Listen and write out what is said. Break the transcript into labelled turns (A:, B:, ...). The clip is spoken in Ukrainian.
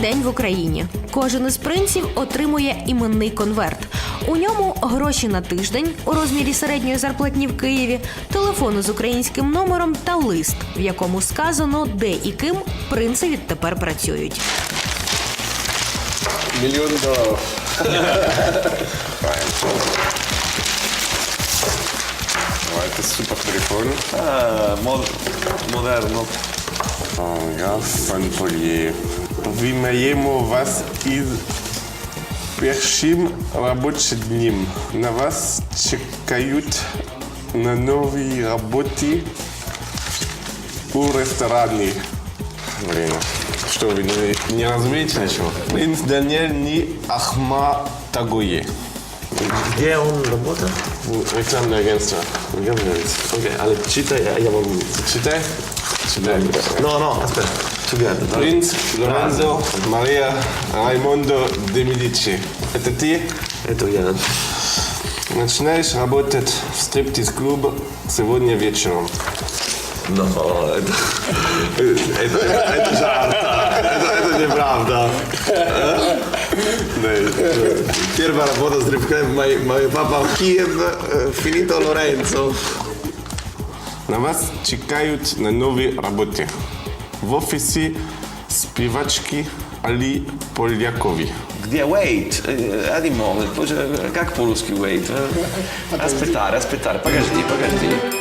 A: день в Україні. Кожен із принців отримує іменний конверт. У ньому гроші на тиждень у розмірі середньої зарплатні в Києві, телефон з українським номером та лист, в якому сказано, де і ким принци відтепер працюють.
B: $1 мільйон. Это супер телефон.
C: Модерно.
B: Ja, pan Polier. Вимаємо вас із першим робочим днем. На вас чекають на новій роботі у ресторані. Блин, что, вы не разумеете ничего? Принц Даниэль не Ахматагуе.
C: Где он работает?
B: Рекламное агентство.
C: Окей, але читай, я вам...
B: Читай? Читай.
C: No, аспект. Together.
B: Принц Лоренцо Мария Раймондо де Медичи. Это ты?
C: Это я.
B: Начинаешь работать в стриптиз-клубе сегодня вечером.
C: No, это жарт. Это неправда. Первая работа с рыбкой, мой папа в Киев, Финито Лоренцо.
B: На вас чекають на новій роботі. В офісі співачки Али Полякові.
C: Где wait? Один момент. Как по-русски wait? Aspettare. Подожди.